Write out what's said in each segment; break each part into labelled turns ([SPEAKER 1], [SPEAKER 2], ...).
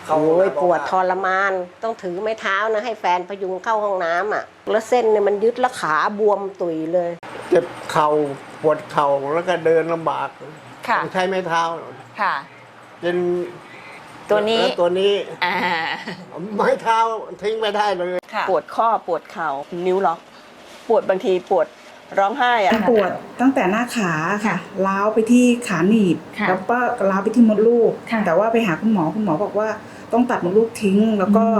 [SPEAKER 1] เข้าห้องน้ำปวดทรมานต้องถือไม้เท้านะให้แฟนพยุงเข้าห้องน้ำอ่ะแล้วเส้นเนี่ยมันยึดแล้วขาบวมตุยเลย
[SPEAKER 2] เจ็บเข่าปวดเข่าแล้วก็เดินลำบากใช้ไม้เท้า
[SPEAKER 3] ค่ะ
[SPEAKER 2] เป็น
[SPEAKER 3] ตัวนี้
[SPEAKER 2] ไม้เท้าทิ้งไม่ได้เลย
[SPEAKER 3] ปวดข้อปวดเข่านิ้วล็อกปวดบางทีปวดร้องไห้อะ
[SPEAKER 4] ปวดตั้งแต่หน้าขาค่ะล้าวไปที่ขาหนีบแล้วก็ล้าวไปที่มดลูกแต่ว่าไปหาคุณหมอบอกว่าต้องตัดมดลูกทิ้งแล้วก็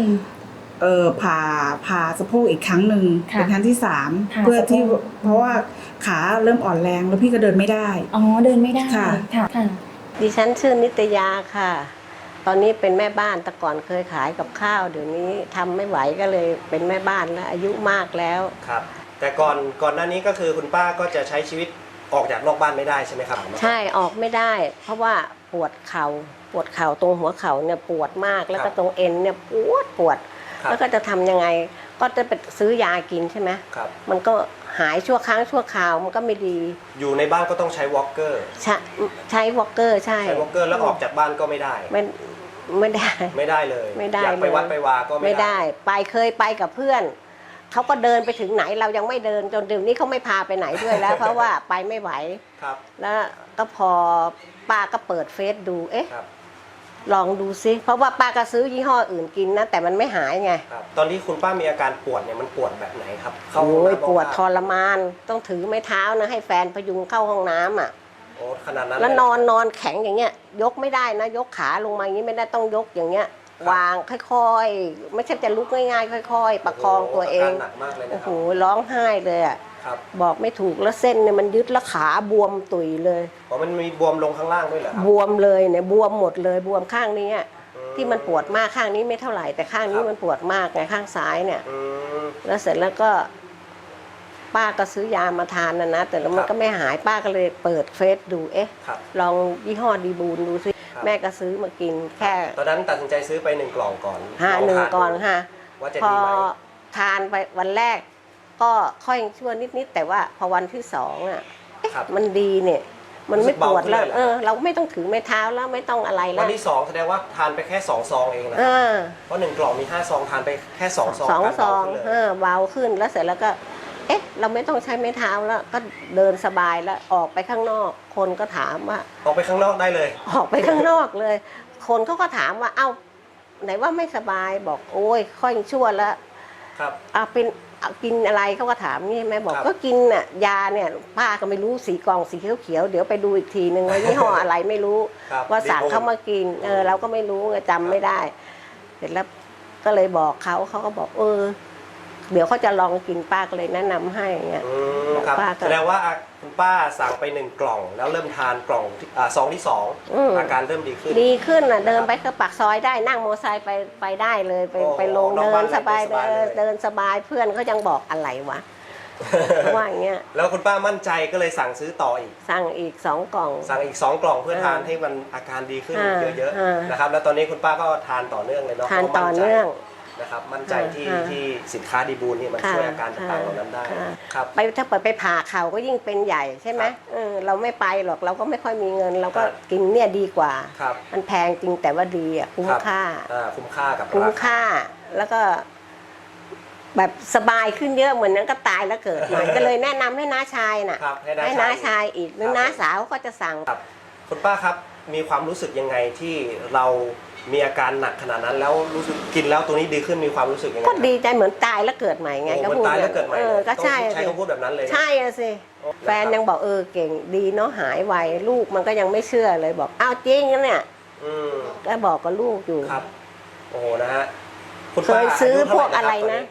[SPEAKER 4] ผ่าสะโพกอีกครั้งหนึ่งเป็นครั้งที่3เพื่อที่เพราะว่าขาเริ่มอ่อนแรงแล้วพี่ก็เดินไม่ได้
[SPEAKER 3] เดินไม่ได้ค่ะ
[SPEAKER 1] ดิฉันชื่อนิตยาค่ะตอนนี้เป็นแม่บ้านแต่ก่อนเคยขายกับข้าวเดี๋ยวนี้ทำไม่ไหวก็เลยเป็นแม่บ้านแล้วอายุมากแล้ว
[SPEAKER 5] ครับแต่ก่อนหน้านี้ก็คือคุณป้าก็จะใช้ชีวิตออกจากนอกบ้านไม่ได้ใช่ไหมครับ
[SPEAKER 1] ใช่ออกไม่ได้เพราะว่าปวดเข่าตรงหัวเข่าเนี่ยปวดมากแล้วก็ตรงเอ็นเนี่ยปวดแล้วก็จะทำยังไงก็จะไปซื้อยากินใช่ไหมมันก็หายชั่วครั้งชั่วคราวมันก็ไม่ดี
[SPEAKER 5] อยู่ในบ้านก็ต้องใช้วอล์กเกอร์
[SPEAKER 1] ใช้วอล์กเกอร์ใช่
[SPEAKER 5] ใช้วอล์กเกอร์แล้วออกจากบ้านก็ไม่ได้
[SPEAKER 1] ไม่ได้
[SPEAKER 5] เลย
[SPEAKER 1] ไม่ได้
[SPEAKER 5] อยากไปวัดไปวาก็
[SPEAKER 1] ไม่ได้เคยไปกับเพื่อนเขาก็เดินไปถึงไหนเรายังไม่เดินจนเดี๋ยวนี้เขาไม่พาไปไหนด้วยแล้ว เพราะว่าไปไม่ไหวแล้วก็พอป้าก็เปิดเฟซดูลองดูซิเพราะว่าป้าก็ซื้อยี่ห้ออื่นกินนะแต่มันไม่หายไง
[SPEAKER 5] ตอนที่คุณป้ามีอาการปวดเนี่ยมันปวดแบบไหนครับ
[SPEAKER 1] ปวดทรมานต้องถือไม้เท้านะให้แฟนพยุงเข้าห้องน้ำอ่ะ
[SPEAKER 5] ขนาดนั้น
[SPEAKER 1] แล้วนอนแข็งอย่างเงี้ยยกไม่ได้นะยกขาลงมาอย่างนี้ไม่ได้ต้องยกอย่างเงี้ยวางค่อยๆไม่ใช่จะลุกง่ายๆค่อยๆประคองตัวเองโอ้โหร้องไห้เลยอ่ะบอกไม่ถูกแล้วเส้นเนี่ยมันยึดแล้วขาบวมตุยเลย
[SPEAKER 5] มันมีบวมลงข้างล่างด้วยเหรอบ
[SPEAKER 1] วมเลยเนี่ยบวมหมดเลยบวมข้างนี้ที่มันปวดมากข้างนี้ไม่เท่าไหร่แต่ข้างนี้มันปวดมากไงข้างซ้ายเนี่ยแล้วเสร็จแล้วก็ป้าก็ซื้อยามาทานนะแต่แล้วมันก็ไม่หายป้าก็เลยเปิดเฟซดูลองยี่ห้อดีบูนดูซิแม่ก็ซื้อมากินแค่
[SPEAKER 5] ตอนนั้นตัดสินใจซื้อไป1 กล่องก่อน
[SPEAKER 1] 1 กล่องค่ะ
[SPEAKER 5] ว่าจะ
[SPEAKER 1] พอ
[SPEAKER 5] ดีไหม
[SPEAKER 1] ทานไปวันแรกก็ค่อยชั่วนิดๆแต่ว่าพอวันที่2มันดีเนี่ยมันไม่ปวดแล้วเราไม่ต้องถือไม้เท้าแล้วไม่ต้องอะไรแล้ว
[SPEAKER 5] วันที่2แสดงว่าทานไปแค่2 ซองเองนะเพราะ1 กล่องมี5 ซองทานไปแค่2 ซอง
[SPEAKER 1] 2 ซองเบาขึ้นแล้วเสร็จแล้วก็เราไม่ต้องใช้ไม้เท้าแล้วก็เดินสบายแล้วออกไปข้างนอกคนก็ถามว่า
[SPEAKER 5] ออกไปข้างนอกได้เลย
[SPEAKER 1] ออกไปข้างนอกเลยคนเขาก็ถามว่าเอ้าไหนว่าไม่สบายบอกโอ้ยค่อยชั่วแล้วเป็นกินอะไรเขาก็ถามนี่แม่บอกก็กินน่ะยาเนี่ยป้าก็ไม่รู้สีกล่องสีเขียวเดี๋ยวไปดูอีกทีนึงว่ายี่ห้ออะไรไม่รู้ว่าสั่งเขามากินเราก็ไม่รู้จำไม่ได้เสร็จแล้วก็เลยบอกเขาก็บอกเดี๋ยวเขาจะลองกินป้าก็เลยแนะนำให้เงี้ย
[SPEAKER 5] แสดงว่าคุณป้าสั่งไป1 กล่องแล้วเริ่มทานกล่องซองที่2อาการเริ่มดี
[SPEAKER 1] ขึ้นเดินไปก็ปากซอยได้นั่งมอเตอร์ไซค์ไปได้เลยไปลงเดินสบายเดินสบายเพื่อนเขายังบอกอะไรวะว่าอย่างเงี้ย
[SPEAKER 5] แล้วคุณป้ามั่นใจก็เลยสั่งซื้อต่ออีก
[SPEAKER 1] สั่งอีก2 กล่อง
[SPEAKER 5] สั่งอีก2 กล่องเพื่อทานให้มันอาการดีขึ้นเยอะๆนะครับแล้วตอนนี้คุณป้าก็ทานต่อเนื่องเลยเนาะ
[SPEAKER 1] ทานต่อเนื่อง
[SPEAKER 5] นะครับมั่นใจที่สินค้าดีบูลนี่มันช่วยอาการต่างๆเหล่านั้นได้ครับ
[SPEAKER 1] ถ้าเปิดไปผ่าเข่าก็ยิ่งเป็นใหญ่ใช่ไหมเราไม่ไปหรอกเราก็ไม่ค่อยมีเงินเราก็กินเนี่ยดีกว่ามันแพงจริงแต่ว่าดีคุ้มค่าคุ้มค่าแล้วก็แบบสบายขึ้นเยอะเหมือนนั้นก็ตายแล้วเกิดใหม่ก็เลยแนะนำให้น้าชายน่ะให้น้าชายอีกหรือน้าสาวก็จะสั่ง
[SPEAKER 5] คุณป้าครับมีความรู้สึกยังไงที่เรามีอาการหนักขนาดนั้นแล้วรู้สึกกินแล้วตัวนี้ดีขึ้นมีความรู้สึกยังไง
[SPEAKER 1] ก็ดีใจเหมือนตายแล้วเกิดใหม่ไง
[SPEAKER 5] ก็พูดตายแล้วเกิดใหม่
[SPEAKER 1] ก็ใช่
[SPEAKER 5] ใช้คำพูดแบบนั้นเลย
[SPEAKER 1] ใช่สิแฟนยังบอกเก่งดีเนาะหายไวลูกมันก็ยังไม่เชื่อเลยบอกอ้าวจริงนะเนี่ยก็บอกกับลูกอยู่
[SPEAKER 5] ครับโอ้นะฮะ
[SPEAKER 1] เคยซื้อพวกอะไรนะ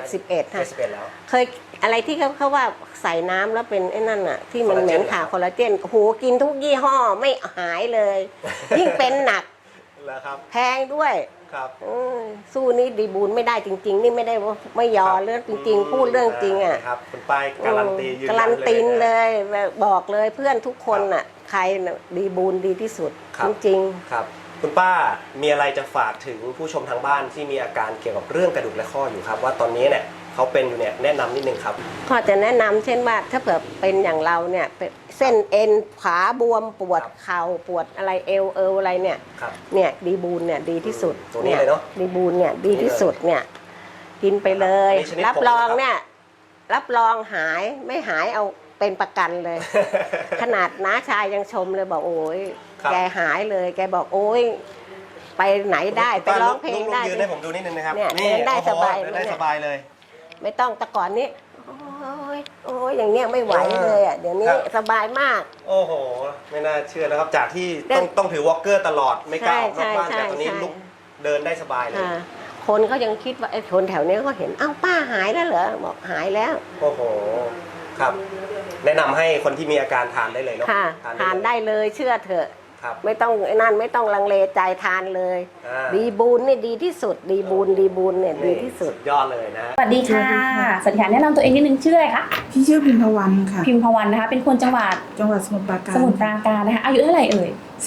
[SPEAKER 1] 71ค่ะ
[SPEAKER 5] แล้ว
[SPEAKER 1] เคยอะไรที่เขาว่าใส่น้ำแล้วเป็นไอ้นั่นอ่ะที่มันเหม็นขาคอลลาเจนโหกินทุกยี่ห้อไม่หายเลยยิ่งเป็นหนักแพงด้วยสู้นี่ดีบูนไม่ได้จริงๆนี่ไม่ได้ว่าไม่ยอเรื่องจริงๆพูดเรื่องจริงอ่ะ
[SPEAKER 5] ครับคุณป้ายการันตี
[SPEAKER 1] การันตีเลยบอกเลยเพื่อนทุกคนอ่ะใครดีบูนดีที่สุดจริง
[SPEAKER 5] ๆครับคุณป้ามีอะไรจะฝากถึงผู้ชมทางบ้านที่มีอาการเกี่ยวกับเรื่องกระดูกและข้ออยู่ครับว่าตอนนี้เนี่ยเขาเป็นอยู่เนี่ยแนะนำนิดนึงครับ
[SPEAKER 1] ก็จะแนะนำเช่นว่าถ้าเผื่อเป็นอย่างเราเนี่ยเป็นเส้นเอ็นขาบวมปวดเข่าปวดอะไรเอวอะไรเนี่ย
[SPEAKER 5] ครับ
[SPEAKER 1] เนี่ยดีบูนเนี่ยดีที่สุด
[SPEAKER 5] ตัวนี้เลยเนอะ
[SPEAKER 1] ดีบูนเนี่ยดีที่สุดเนี่ยกินไปเลย
[SPEAKER 5] อันนี้ชนิด
[SPEAKER 1] รับ
[SPEAKER 5] ผง
[SPEAKER 1] รอง
[SPEAKER 5] นะครับ
[SPEAKER 1] เนี่ยรับรองหายไม่หายเอาเป็นประกันเลย ขนาดน้าชายยังชมเลยบอกโอ้ย
[SPEAKER 5] ครับ
[SPEAKER 1] แกหายเลย แกบอกโอ้ยไปไหนได้ไปร้องเพลงได้
[SPEAKER 5] ยืนให้ผมดูนิดนึงนะครับ
[SPEAKER 1] เนี่ยเดินได้
[SPEAKER 5] โอ้โห
[SPEAKER 1] สบาย
[SPEAKER 5] เดินได้
[SPEAKER 1] เนี่ย
[SPEAKER 5] สบายเลย
[SPEAKER 1] ไม่ต้องแต่ก่อนนี้โอ้ยอย่างเงี้ยไม่ไหวเลยอ่ะเดี๋ยวนี้
[SPEAKER 5] ครับ
[SPEAKER 1] สบายมาก
[SPEAKER 5] โอ้โห ไม่น่าเชื่อนะครับ จากที่
[SPEAKER 1] เดิน
[SPEAKER 5] ต้องถือวอล์กเกอร์ตลอดไม่กล้าออกนอกบ้าน
[SPEAKER 1] ใช่
[SPEAKER 5] แต่ตอนนี้
[SPEAKER 1] ใช่
[SPEAKER 5] ลุกเดินได้สบายเลย
[SPEAKER 1] อ่าคนเขายังคิดว่าไอ้คนแถวเนี้ยเขาเห็นอ้าวป้าหายแล้วเหรอบอกหายแล้ว
[SPEAKER 5] โอ้โห ครับ แนะนำให้คนที่มีอาการทานได้เลยเนาะ
[SPEAKER 1] ค่ะทานได้เลยเชื่อเถอะ
[SPEAKER 5] ครับ
[SPEAKER 1] ไม่ต้องไอ้นั่นไม่ต้องลังเลใจทานเลย
[SPEAKER 5] อ่า
[SPEAKER 1] ดีบูนนี่ดีที่สุด ดีบูนเนี่ยดีที่สุด
[SPEAKER 5] ยอดเลยนะ
[SPEAKER 3] สวัสดีค่ะสวัสดีค่ะแนะนำตัวเองนิดนึงชื่ออะไรคะ
[SPEAKER 4] พี่ชื่อพิมพวันค่ะ
[SPEAKER 3] พิมพวันนะคะ เป็นคนจังหวัด
[SPEAKER 4] จังหวัดสมุทรปราการ
[SPEAKER 3] สมุทรปราการนะคะ อายุเท่าไหร่เอ่ย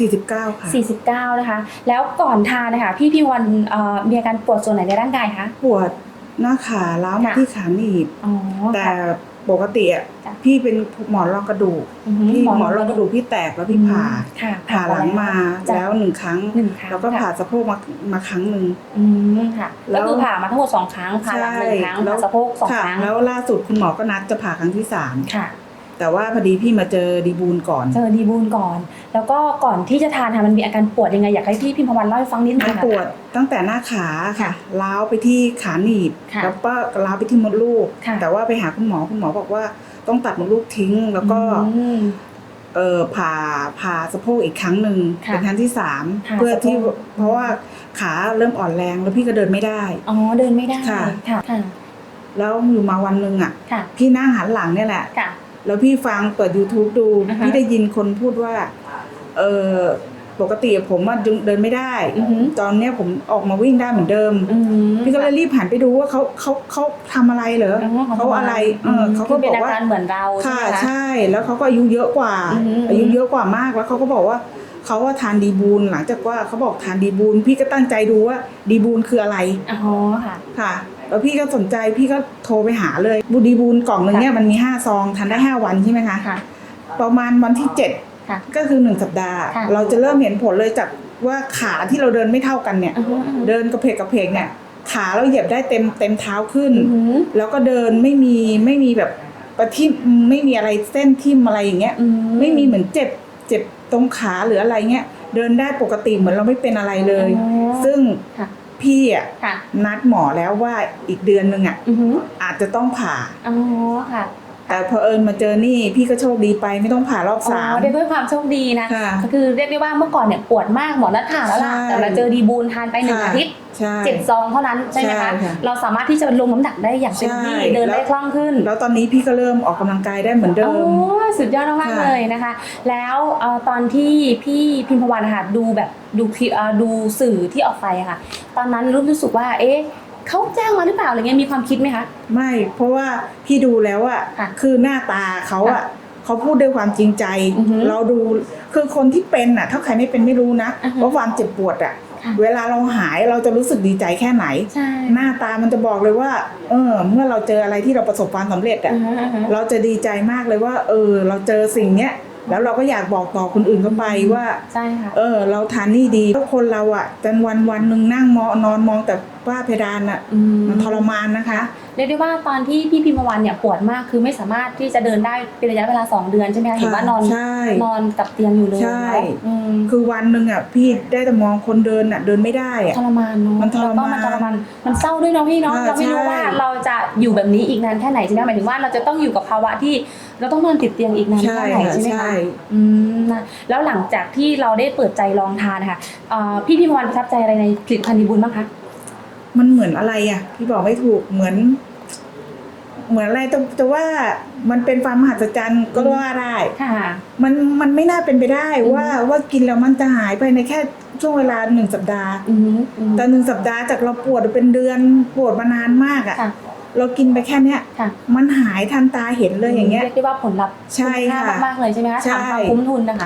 [SPEAKER 4] 49 ค่ะ
[SPEAKER 3] 49 นะคะ แล้วก่อนทานนะคะพี่พิมพวันมีอาการปวดส่วนไหนในร่างกายคะ
[SPEAKER 4] ปวดหน้าขาล้าวมา
[SPEAKER 3] ค่ะ
[SPEAKER 4] ที่ขาหนีบ
[SPEAKER 3] อ๋อ
[SPEAKER 4] แต่
[SPEAKER 3] ค่ะ
[SPEAKER 4] ปกติอ่ะ
[SPEAKER 3] จ้ะ
[SPEAKER 4] พี่เป็นหมอนรองกระดูก พี่หมอนรองกระดูกพี่แตกแล้วพี่ผ่า
[SPEAKER 3] ค่ะ
[SPEAKER 4] ผ่าหลังมา
[SPEAKER 3] จ้ะ
[SPEAKER 4] แล้ว1 ครั้ง
[SPEAKER 3] 1 ครั้ง
[SPEAKER 4] แล้วก็
[SPEAKER 3] ค่ะ
[SPEAKER 4] ผ่าสะโพกมาครั้งหนึ่ง
[SPEAKER 3] ค่ะ
[SPEAKER 4] แล้
[SPEAKER 3] ก็
[SPEAKER 4] ว
[SPEAKER 3] คือผ่ามาทั้งหมด2 ครั้งผ่าหลัง1 ครั้งผ่าสะโพก2
[SPEAKER 4] ค่ะ
[SPEAKER 3] ครั้ง
[SPEAKER 4] แล้วล่าสุดคุณหมอก็นัดจะผ่าครั้งที่
[SPEAKER 3] ค่ะ
[SPEAKER 4] 3 แต่ว่าพอดีพี่มาเจอดีบูลก่อน
[SPEAKER 3] เจอดีบูนก่อน แล้วก็ก่อนที่จะทานค่ะมันมีอาการปวดยังไงอยากให้พี่พิมพวันเล่าให้ฟังนิดนึ
[SPEAKER 4] มัน
[SPEAKER 3] งค่ะ
[SPEAKER 4] ปวดตั้งแต่หน้าขาค่ะล้าวไปที่ขาหนีบ
[SPEAKER 3] ค่ะ
[SPEAKER 4] แล้วก็ล้าวไปที่มดลูก
[SPEAKER 3] ค่ะ
[SPEAKER 4] แต่ว่าไปหาคุณหมอบอกว่าต้องตัดมดลูกทิ้ง แล้วก็
[SPEAKER 3] อืม
[SPEAKER 4] ผ่าสะโพกอีกครั้งหนึ่ง
[SPEAKER 3] ค่ะ
[SPEAKER 4] เป็นครั้งที่
[SPEAKER 3] ผ่า
[SPEAKER 4] 3 เพื่อที่
[SPEAKER 3] สะโพก
[SPEAKER 4] เพราะว่าขาเริ่มอ่อนแรงแล้วพี่ก็เดินไม่ได้
[SPEAKER 3] อ๋อเดินไม่ได้
[SPEAKER 4] ค่ะ
[SPEAKER 3] ค่ะค่ะ
[SPEAKER 4] แล้วอยู่มาวันหนึ่งอ่ะ
[SPEAKER 3] ค่ะ
[SPEAKER 4] พี่นั่งหันหลังเนี่ยแหละ
[SPEAKER 3] ค่ะ
[SPEAKER 4] แล้วพี่ฟังเปิด YouTube ดู
[SPEAKER 3] อ่าฮะ
[SPEAKER 4] พี่ได้ยินคนพูดว่าปกติผมอะเดินไม่ได้
[SPEAKER 3] อือหือ
[SPEAKER 4] ตอนเนี้ยผมออกมาวิ่งได้เหมือนเดิม
[SPEAKER 3] อืม
[SPEAKER 4] พี่ก็เลยรีบหันไปดูว่าเขาทำอะไรเหรอเขาอะไรเขาก็
[SPEAKER 3] เป็
[SPEAKER 4] บ
[SPEAKER 3] น
[SPEAKER 4] อก
[SPEAKER 3] อา
[SPEAKER 4] ว่า
[SPEAKER 3] การเหมือนเราใช่
[SPEAKER 4] ค่ะ
[SPEAKER 3] ไหมคะ
[SPEAKER 4] ใช่ แล้วเขาก็อายุเยอะกว่า
[SPEAKER 3] อือหืออ
[SPEAKER 4] อายุเยอะกว่ามากแล้วเขาก็บอกว่าเขาว่าทานดีบูลหลังจากว่าเขาบอกทานดีบูลพี่ก็ตั้งใจดูว่าดีบูลคืออะไร
[SPEAKER 3] อ๋อค่ะ
[SPEAKER 4] ค่ะ แล้วพี่ก็สนใจพี่ก็โทรไปหาเลยบูดีบูลกล่องหนึงเนี่ยมันมี5 ซองทานได้ 5 วันใช่ไหมคะ
[SPEAKER 3] ค่ะ
[SPEAKER 4] ประมาณวันที่
[SPEAKER 3] ค่ะ
[SPEAKER 4] 7 ก็คือ1 สัปดาห์
[SPEAKER 3] ค่ะ
[SPEAKER 4] เราจะเริ่มเห็นผลเลยจากว่าขาที่เราเดินไม่เท่ากันเนี่ย
[SPEAKER 3] อือหืออือหือ
[SPEAKER 4] เดินกระเพกเนี่ยขาเราเหยียบได้เต็มเท้าขึ้น
[SPEAKER 3] อือหือ
[SPEAKER 4] แล้วก็เดินไม่มีแบบประทิ่มไม่มีอะไรเส้นทิ่มอะไรอย่างเงี้ย
[SPEAKER 3] อื
[SPEAKER 4] ไม่มีเหมือนเจ็บตรงขาหรืออะไรเงี้ยเดินได้ปกติเหมือนเราไม่เป็นอะไรเลย
[SPEAKER 3] อ๋อ
[SPEAKER 4] ซึ่ง
[SPEAKER 3] ค่ะ
[SPEAKER 4] พี่อ่ะ
[SPEAKER 3] ค่ะ
[SPEAKER 4] นัดหมอแล้วว่าอีกเดือนนึงอ่ะ
[SPEAKER 3] อือหือ
[SPEAKER 4] อาจจะต้องผ่า
[SPEAKER 3] อ๋อค่ะ
[SPEAKER 4] แต่พอเอิญมาเจอนี่พี่ก็โชคดีไปไม่ต้องผ่ารอบ
[SPEAKER 3] อ๋
[SPEAKER 4] 3
[SPEAKER 3] อได้ด้วยความโชคดีนะ
[SPEAKER 4] ค่ะ
[SPEAKER 3] ก็คือเรียกได้ว่าเมื่อก่อนเนี่ยปวดมากหมอนัดผ่าแล้วล่ะ
[SPEAKER 4] ใช่
[SPEAKER 3] แต่มาเจอดีบูนทานไป1
[SPEAKER 4] ค่ะ
[SPEAKER 3] อาทิตย์
[SPEAKER 4] ใช่
[SPEAKER 3] 7 ซองเท่านั้นใช่ไหม
[SPEAKER 4] ใช่
[SPEAKER 3] คะ
[SPEAKER 4] ค่ะ
[SPEAKER 3] เราสามารถที่จะลงน้ำหนักได้อย่างเต็มที่
[SPEAKER 4] ใช่
[SPEAKER 3] เดินได้
[SPEAKER 4] แล้ว
[SPEAKER 3] คล่องขึ้น
[SPEAKER 4] แล้วตอนนี้พี่ก็เริ่มออกกำลังกายได้เหมือนเดิ
[SPEAKER 3] โอ้
[SPEAKER 4] ม
[SPEAKER 3] สุดยอดมากๆ
[SPEAKER 4] ค่ะ
[SPEAKER 3] เลยนะคะ แล้วตอนที่พี่พิมพวันนะคะดูแบบดูคลิปดูสื่อที่ออกไปอะค่ะ ตอนนั้นรู้สึกว่าเอ๊ะเขาจ้างมาหรือเปล่าอะไรเงี้ยมีความคิดไหมคะ
[SPEAKER 4] ไม่เพราะว่าพี่ดูแล้วอ่ะ
[SPEAKER 3] ค่ะ
[SPEAKER 4] คือหน้าตาเขาอ่ะ
[SPEAKER 3] ค่ะ
[SPEAKER 4] เขาพูดด้วยความจริงใจ
[SPEAKER 3] อือหือ
[SPEAKER 4] เราดูคือคนที่เป็นอ่ะ ถ้าใครไม่เป็นไม่รู้นะ
[SPEAKER 3] อือหือ
[SPEAKER 4] ว่าความเจ็บปวดอ่ะ
[SPEAKER 3] ค่ะ
[SPEAKER 4] เวลาเราหายเราจะรู้สึกดีใจแค่ไหน
[SPEAKER 3] ใช่
[SPEAKER 4] หน้าตามันจะบอกเลยว่า เมื่อเราเจออะไรที่เราประสบความสำเร็จอ่ะ
[SPEAKER 3] อือฮึอือฮึ
[SPEAKER 4] เราจะดีใจมากเลยว่า เราเจอสิ่งเนี้ย แล้วเราก็อยากบอกต่อคนอื่นเข้าไปว่า
[SPEAKER 3] ใช่ค่ะ
[SPEAKER 4] เราทานนี่ดีเพราะคนเราอ่ะจนวันหนึ่งนั่งนอนมองแต่ฝ้าเพดานอ่ะ มันทรมานนะคะ
[SPEAKER 3] เรียกได้ว่าตอนที่พี่พิมพวันเนี่ยปวดมากคือไม่สามารถที่จะเดินได้เป็นระยะเวลา2 เดือนใช่ไหมคะเห็นว่านอน
[SPEAKER 4] ใช่
[SPEAKER 3] นอนกับเตียงอยู่เลย
[SPEAKER 4] ใช่
[SPEAKER 3] เนาะ
[SPEAKER 4] คือวันหนึ่งอ่ะพี่ได้แต่มองคนเดินอ่ะเดินไม่ได้อ่ะ
[SPEAKER 3] ทรมานเนาะ
[SPEAKER 4] มันทรมาน
[SPEAKER 3] แล้วก็มันทรมานมันเศร้าด้วยเนาะพี่เนาะ
[SPEAKER 4] ใช่
[SPEAKER 3] เราไม่รู้ว่าเราจะอยู่แบบนี้อีกนานแค่ไหนใช่ไหมหมายถึงว่าเราจะต้องอยู่กับภาวะที่เราต้องนอนติดเตียงอีกนานแค่ไหนใช่ไหม
[SPEAKER 4] ใช่
[SPEAKER 3] คะนะแล้วหลังจากที่เราได้เปิดใจลองทานนะคะพี่พิมพวันประทับใจอะไรในผลิตภัณฑ์ดีบุญบ้างคะ
[SPEAKER 4] มันเหมือนอะไรอ่ะพี่บอกไม่ถูกเหมือนอะไรแต่ว่ามันเป็นความมหัศจรรย์ก็ว่าได้
[SPEAKER 3] ค่ะ
[SPEAKER 4] มันไม่น่าเป็นไปได้ว่ากินแล้วมันจะหายไปในแค่ช่วงเวลา1 สัปดาห์ แต่1 สัปดาห์จากเราปวดเป็นเดือนปวดมานานมากอ่ะ
[SPEAKER 3] ค่ะ
[SPEAKER 4] เรากินไปแค่เนี้ย
[SPEAKER 3] ค่ะ
[SPEAKER 4] มันหายทันตาเห็นเลยอย่างเงี้ย
[SPEAKER 3] เรียกได้ว่าผลลัพธ์
[SPEAKER 4] ใช่
[SPEAKER 3] คุ้มค่า
[SPEAKER 4] ค่ะ
[SPEAKER 3] มากๆเลยใช่ไหมคะ
[SPEAKER 4] ใช่
[SPEAKER 3] ถามความคุ้มทุนนะคะ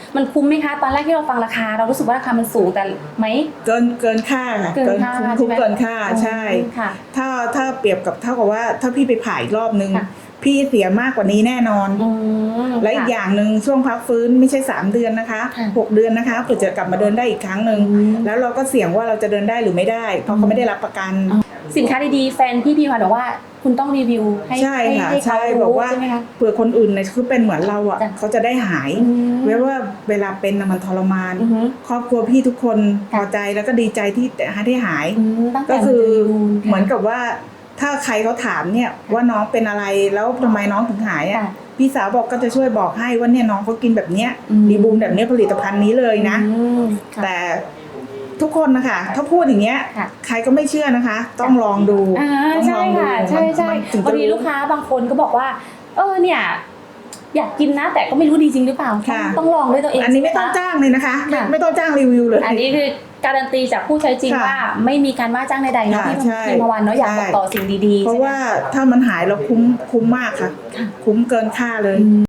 [SPEAKER 3] มันคุ้มไหมคะตอนแรกที่เราฟังราคาเรารู้สึกว่าราคามันสูงแต่ไหม
[SPEAKER 4] เกินค่าค่ะ
[SPEAKER 3] เกินค่า
[SPEAKER 4] คุ้ม
[SPEAKER 3] ใช่ไหม
[SPEAKER 4] เกินค่าใช่
[SPEAKER 3] ค่ะ
[SPEAKER 4] ถ้าเปรียบกับเท่ากับว่าถ้าพี่ไปผ่าอีกรอบนึง
[SPEAKER 3] ค่ะ
[SPEAKER 4] พี่เสียมากกว่านี้แน่นอน และอีกอย่างหนึ่งช่วงพักฟื้นไม่ใช่3 เดือนนะคะ
[SPEAKER 3] ค่ะ
[SPEAKER 4] 6 เดือนนะคะเพื่อจะกลับมาเดินได้อีกครั้งหนึ่ง
[SPEAKER 3] อืม
[SPEAKER 4] แล้วเราก็เสี่ยงว่าเราจะเดินได้หรือไม่ได้ เพราะเขาไม่ได้รับประกัน
[SPEAKER 3] สินค้าดีๆแฟนพี่พิมพ์บอกว่าคุณต้องรีวิวให้
[SPEAKER 4] ใช่ค่ะ
[SPEAKER 3] ให้เขา
[SPEAKER 4] ใช่
[SPEAKER 3] รู้
[SPEAKER 4] บอกว่า
[SPEAKER 3] ใช่ไหมคะ
[SPEAKER 4] เผื่อคนอื่นเนี่ยคือเป็นเหมือนเราอ่ะ
[SPEAKER 3] จ้ะ
[SPEAKER 4] เขาจะได้หาย
[SPEAKER 3] อืม
[SPEAKER 4] เว้ยว่าเวลาเป็นน่ะมันทรมาน
[SPEAKER 3] อือฮึ
[SPEAKER 4] ครอบครัวพี่ทุกคนพ
[SPEAKER 3] ค่ะ
[SPEAKER 4] อใจแล้วก็ดีใจที่ได้หาย
[SPEAKER 3] ตั้งแต่
[SPEAKER 4] ก็คือ
[SPEAKER 3] รีวิว
[SPEAKER 4] เหมือนกับว่าถ้าใครเขาถามเนี่ยว่าน้องเป็นอะไรแล้วทำไมน้องถึงหายอ่ะ
[SPEAKER 3] ค่ะ
[SPEAKER 4] พี่สาวบอกก็จะช่วยบอกให้ว่าเนี่ยน้องเขากินแบบเนี้ย
[SPEAKER 3] อืม
[SPEAKER 4] ดีบูมแบบเนี้ยผลิตภัณฑ์นี้เลยนะ
[SPEAKER 3] อืมค่ะ
[SPEAKER 4] แต่ทุกคนนะคะถ้าพูดอย่างเงี้ย
[SPEAKER 3] ค่ะ
[SPEAKER 4] ใครก็ไม่เชื่อนะคะ ต้องลองดู
[SPEAKER 3] อ่า
[SPEAKER 4] ต้องล
[SPEAKER 3] ใช่
[SPEAKER 4] องดู
[SPEAKER 3] ค่ะใช่ใช่
[SPEAKER 4] มันถึง
[SPEAKER 3] บาง
[SPEAKER 4] จะ
[SPEAKER 3] ที
[SPEAKER 4] รู้
[SPEAKER 3] ลูกค้าบางคนก็บอกว่า เนี่ยอยากกินนะ แต่ก็ไม่รู้ดีจริงหรือเปล่า
[SPEAKER 4] ค่ะ
[SPEAKER 3] ต้องลองด้วยตัวเอง
[SPEAKER 4] อันนี้ไม่ต้อง
[SPEAKER 3] ใช่หคะ
[SPEAKER 4] จ้างเลยนะคะ
[SPEAKER 3] ค่ะ
[SPEAKER 4] ไม่ต้องจ้างรีวิวเลย
[SPEAKER 3] อันนี้คือการันตีจากผู้ใช้จริง
[SPEAKER 4] ค่ะ
[SPEAKER 3] ว่าไม่มีการว่าจ้างใดๆเนาะ
[SPEAKER 4] ค่ะ
[SPEAKER 3] พี่
[SPEAKER 4] ใช่
[SPEAKER 3] พิมพวันเนาะอยากบอกต่อสิ่งดีๆ
[SPEAKER 4] เพราะ
[SPEAKER 3] ใช่ไหม
[SPEAKER 4] ว่าถ้ามันหายเราคุ้มมากค่ะ คุ้มเกินค่าเลย